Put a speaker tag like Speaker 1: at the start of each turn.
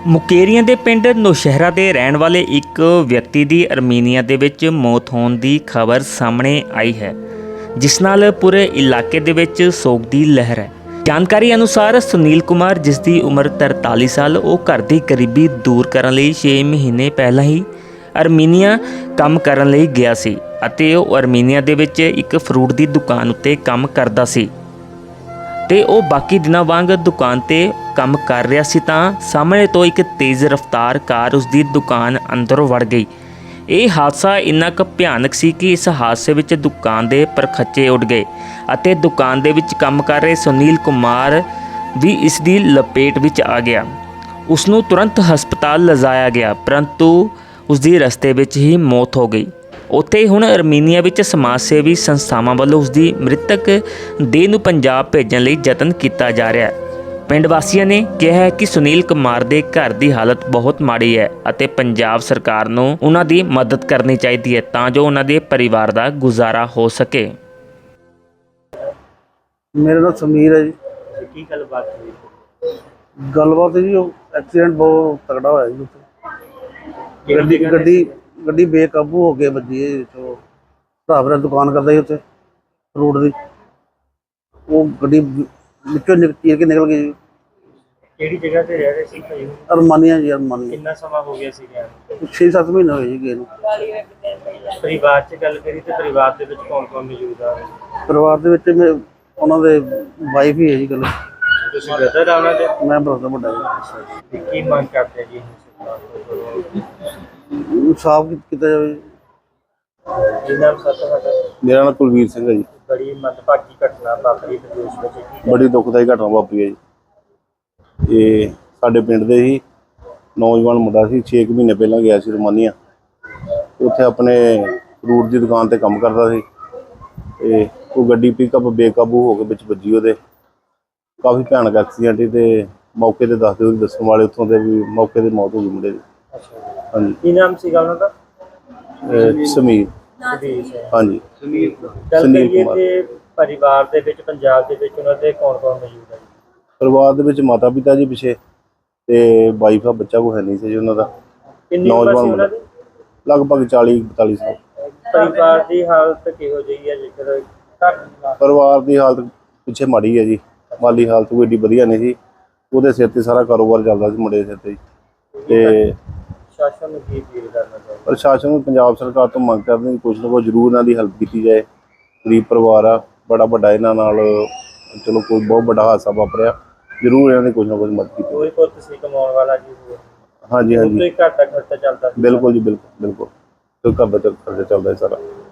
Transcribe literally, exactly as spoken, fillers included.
Speaker 1: ਮੁਕੇਰੀਆਂ ਦੇ ਪਿੰਡ ਨੌਸ਼ਹਿਰਾ ਦੇ ਰਹਿਣ ਵਾਲੇ ਇੱਕ ਵਿਅਕਤੀ ਦੀ ਅਰਮੀਨੀਆ ਦੇ ਵਿੱਚ ਮੌਤ ਹੋਣ ਦੀ ਖਬਰ ਸਾਹਮਣੇ ਆਈ ਹੈ, ਜਿਸ ਨਾਲ ਪੂਰੇ ਇਲਾਕੇ ਦੇ ਵਿੱਚ ਸੋਗ ਦੀ ਲਹਿਰ ਹੈ। ਜਾਣਕਾਰੀ ਅਨੁਸਾਰ ਸੁਨੀਲ ਕੁਮਾਰ, ਜਿਸ ਦੀ ਉਮਰ ਤਰਤਾਲੀ ਸਾਲ, ਉਹ ਘਰ ਦੀ ਗਰੀਬੀ ਦੂਰ ਕਰਨ ਲਈ ਛੇ ਮਹੀਨੇ ਪਹਿਲਾਂ ਹੀ ਅਰਮੀਨੀਆ ਕੰਮ ਕਰਨ ਲਈ ਗਿਆ ਸੀ ਅਤੇ ਉਹ ਅਰਮੀਨੀਆ ਦੇ ਵਿੱਚ ਇੱਕ ਫਰੂਟ ਦੀ ਦੁਕਾਨ ਉੱਤੇ ਕੰਮ ਕਰਦਾ ਸੀ ਤੇ ਉਹ ਬਾਕੀ ਦਿਨਾਂ ਵਾਂਗ ਦੁਕਾਨ ਤੇ ਕੰਮ ਕਰ ਰਿਹਾ ਸੀ ਤਾਂ ਸਾਹਮਣੇ ਤੋਂ ਇੱਕ ਤੇਜ਼ ਰਫ਼ਤਾਰ ਕਾਰ ਉਸ ਦੀ ਦੁਕਾਨ ਅੰਦਰ ਵੜ ਗਈ। ਇਹ ਹਾਦਸਾ ਇੰਨਾ ਕੁ ਭਿਆਨਕ ਸੀ ਕਿ ਇਸ ਹਾਦਸੇ ਵਿੱਚ ਦੁਕਾਨ ਦੇ ਪਰਖੱਚੇ ਉੱਡ ਗਏ ਅਤੇ ਦੁਕਾਨ ਦੇ ਵਿੱਚ ਕੰਮ ਕਰ ਰਹੇ ਸੁਨੀਲ ਕੁਮਾਰ ਵੀ ਇਸ ਦੀ ਲਪੇਟ ਵਿੱਚ ਆ ਗਿਆ। ਉਸ ਨੂੰ ਤੁਰੰਤ ਹਸਪਤਾਲ ਲਿਜਾਇਆ ਗਿਆ, ਪਰੰਤੂ ਉਸ ਦੀ ਰਸਤੇ ਵਿੱਚ ਹੀ ਮੌਤ ਹੋ ਗਈ। ਉੱਥੇ ਹੁਣ ਅਰਮੀਨੀਆ ਵਿੱਚ ਸਮਾਜ ਸੇਵੀ ਸੰਸਥਾਵਾਂ ਵੱਲੋਂ ਉਸ ਦੀ ਮ੍ਰਿਤਕ ਦੇਹ ਨੂੰ ਪੰਜਾਬ ਭੇਜਣ ਲਈ ਯਤਨ ਕੀਤਾ ਜਾ ਰਿਹਾ ਹੈ। ਪਿੰਡ ਵਾਸੀਆਂ ਨੇ ਕਿਹਾ ਹੈ ਕਿ ਸੁਨੀਲ ਕੁਮਾਰ ਦੇ ਘਰ ਦੀ ਹਾਲਤ ਬਹੁਤ ਮਾੜੀ ਹੈ ਅਤੇ ਪੰਜਾਬ ਸਰਕਾਰ ਨੂੰ ਉਹਨਾਂ ਦੀ ਮਦਦ ਕਰਨੀ ਚਾਹੀਦੀ ਹੈ ਤਾਂ ਜੋ ਉਹਨਾਂ ਦੇ ਪਰਿਵਾਰ ਦਾ ਗੁਜ਼ਾਰਾ ਹੋ ਸਕੇ।
Speaker 2: ਮੇਰਾ ਨਾਮ ਸਮੀਰ ਹੈ ਜੀ।
Speaker 1: ਕੀ ਗੱਲਬਾਤ ਹੋਈ?
Speaker 2: ਗੱਲਬਾਤ ਜੀ, ਉਹ ਐਕਸੀਡੈਂਟ ਬਹੁਤ ਤਕੜਾ ਹੋਇਆ ਜੀ ਉੱਥੇ। ਗੱਡੀ ਗੱਡੀ ਗੱਡੀ ਬੇਕਾਬੂ ਹੋ ਕੇ ਵੱਜੀ ਹੈ। ਜੋ ਭਰਾ ਮੇਰਾ ਦੁਕਾਨ ਕਰਦਾ ਸੀ ਉੱਥੇ ਫਰੂਟ ਦੀ, ਉਹ ਗੱਡੀ ਵਿੱਚੋਂ ਨਿਕ ਚੀਰ ਕੇ ਨਿਕਲ ਗਈ ਜੀ।
Speaker 3: ਕਿਹੜੀ ਜਗ੍ਹਾ ਤੇ ਰਹਿ ਰਹੇ ਸੀ ਭਾਈ?
Speaker 2: ਅਰਮਾਨੀਆ ਜੀ, ਅਰਮਾਨੀਆ।
Speaker 3: ਕਿੰਨਾ ਸਮਾਂ ਹੋ ਗਿਆ ਸੀ ਗਿਆ?
Speaker 2: ਛੇ ਸੱਤ ਮਹੀਨੇ ਹੋਏ ਜੀ ਗਏ ਨੂੰ।
Speaker 3: ਪਰਿਵਾਰ 'ਚ ਗੱਲ ਕਰੀ ਤੇ ਪਰਿਵਾਰ ਦੇ ਵਿੱਚ ਕੌਣ ਕੌਣ ਮੌਜੂਦ ਆ?
Speaker 2: ਪਰਿਵਾਰ ਦੇ ਵਿੱਚ ਮੈਂ ਉਹਨਾਂ ਦੇ ਵਾਈਫ ਹੀ ਹੈ ਜੀ। ਗੱਲ
Speaker 3: ਤੁਸੀਂ ਬ੍ਰਦਰ ਆ ਉਹਨਾਂ ਦੇ?
Speaker 2: ਮੈਂ ਬਰਦਰ ਵੱਡਾ ਜੀ।
Speaker 3: ਕੀ ਮੰਗ ਕਰਦੇ ਜੀ?
Speaker 2: ਸਾਫ ਕੀਤਾ ਜਾਵੇ ਜੀ।
Speaker 3: ਕੀ ਨਾਮ ਸਰ ਤੁਹਾਡਾ?
Speaker 4: ਮੇਰਾ ਨਾਮ ਕੁਲਵੀਰ ਸਿੰਘ ਹੈ ਜੀ।
Speaker 3: ਬੜੀ ਮੰਦਭਾਗੀ ਘਟਨਾ ਵਾਪਰੀ ਪ੍ਰਦੇਸ਼ ਵਿੱਚ, ਕੀ
Speaker 4: ਬੜੀ ਦੁਖਦਾਈ ਘਟਨਾ ਵਾਪਰੀ ਹੈ ਜੀ। ਇਹ ਸਾਡੇ ਪਿੰਡ ਦੇ ਹੀ ਨੌਜਵਾਨ ਮੁੰਡਾ ਸੀ, ਛੇ ਕੁ ਮਹੀਨੇ ਪਹਿਲਾਂ ਗਿਆ ਸੀ ਰੋਮਾਨੀਆ। ਉੱਥੇ ਆਪਣੇ ਫਰੂਟ ਦੀ ਦੁਕਾਨ ਤੇ ਕੰਮ ਕਰਦਾ ਸੀ ਤੇ ਉਹ ਗੱਡੀ ਪਿਕਅਪ ਬੇਕਾਬੂ ਹੋ ਕੇ ਵਿੱਚ ਵੱਜੀ। ਉਹਦੇ ਕਾਫੀ ਭਿਆਨਕ ਐਕਸੀਡੈਂਟ ਸੀ ਤੇ ਮੌਕੇ ਤੇ ਦੱਸਦੇ ਉਹਦੇ ਦੱਸਣ ਵਾਲੇ ਉੱਥੋਂ ਦੇ ਵੀ ਮੌਕੇ ਤੇ ਮੌਤ ਹੋ ਗਈ ਮੁੰਡੇ ਦੀ। ਹਾਂਜੀ।
Speaker 3: ਕੀ ਨਾਮ ਸੀਗਾ ਉਹਨਾਂ ਦਾ?
Speaker 4: ਇਹ ਸਮੀਰ। ਹਾਂਜੀ,
Speaker 3: ਗੱਲ ਕਰੀਏ ਤੇ ਪਰਿਵਾਰ ਦੇ ਵਿੱਚ ਪੰਜਾਬ ਦੇ ਵਿੱਚ ਉਹਨਾਂ ਦੇ ਕੌਣ ਕੌਣ ਮੌਜੂਦ ਹੈ?
Speaker 4: ਪਰਿਵਾਰ ਦੇ ਵਿੱਚ ਮਾਤਾ ਪਿਤਾ ਜੀ ਪਿੱਛੇ ਤੇ ਵਾਈਫ ਆ, ਬੱਚਾ ਕੋਈ ਹੈ ਨਹੀਂ ਸੀ ਜੀ ਉਹਨਾਂ ਦਾ।
Speaker 3: ਕਿੰਨੀ ਉਮਰ ਸੀ ਉਹਨਾਂ ਦੀ?
Speaker 4: ਲਗਭਗ ਚਾਲੀ ਬਤਾਲੀ ਸਾਲ।
Speaker 3: ਪਰਿਵਾਰ ਦੀ ਹਾਲਤ ਕਿਹੋ ਜਿਹੀ ਹੈ? ਜੇਕਰ
Speaker 4: ਪਰਿਵਾਰ ਦੀ ਹਾਲਤ ਪਿੱਛੇ ਮਾੜੀ ਹੈ ਜੀ। ਮਾਲੀ ਹਾਲਤ ਕੋਈ ਏਡੀ ਵਧੀਆ ਨਹੀਂ ਸੀ। ਉਹਦੇ ਸਿਰ ਤੇ ਸਾਰਾ ਕਾਰੋਬਾਰ ਚੱਲਦਾ ਸੀ ਮੁੰਡੇ ਦੇ ਸਿਰ ਤੇ। ਤੇ
Speaker 3: ਸ਼ਾਸਨ ਨੂੰ ਕੀ ਅਪੀਲ ਕਰਨਾ ਚਾਹੀਦਾ?
Speaker 4: ਪ੍ਰਸ਼ਾਸਨ ਨੂੰ ਪੰਜਾਬ ਸਰਕਾਰ ਤੋਂ ਮੰਗ ਕਰਦੇ ਹਾਂ ਕੁਛ ਨਾ ਕੁਛ ਜ਼ਰੂਰ ਇਹਨਾਂ ਦੀ ਹੈਲਪ ਕੀਤੀ ਜਾਏ। ਗਰੀਬ ਪਰਿਵਾਰ ਆ, ਬੜਾ ਵੱਡਾ ਇਹਨਾਂ ਨਾਲ ਚਲੋ ਕੋਈ ਬਹੁਤ ਵੱਡਾ ਹਾਦਸਾ ਵਾਪਰਿਆ, ਜ਼ਰੂਰ ਇਹਨਾਂ ਦੀ ਕੁਛ ਨਾ ਕੁਛ ਮਦਦ ਕੀਤੀ।
Speaker 3: ਕੋਈ ਪੁੱਤ ਸੀ ਕਮਾਉਣ ਵਾਲਾ ਜੀ?
Speaker 4: ਹਾਂਜੀ ਹਾਂਜੀ,
Speaker 3: ਘਰ ਦਾ ਖਰਚਾ ਚੱਲਦਾ ਸੀ?
Speaker 4: ਬਿਲਕੁਲ ਜੀ, ਬਿਲਕੁਲ ਬਿਲਕੁਲ। ਘਰ ਦਾ ਖਰਚਾ ਚੱਲਦਾ ਹੈ ਸਾਰਾ।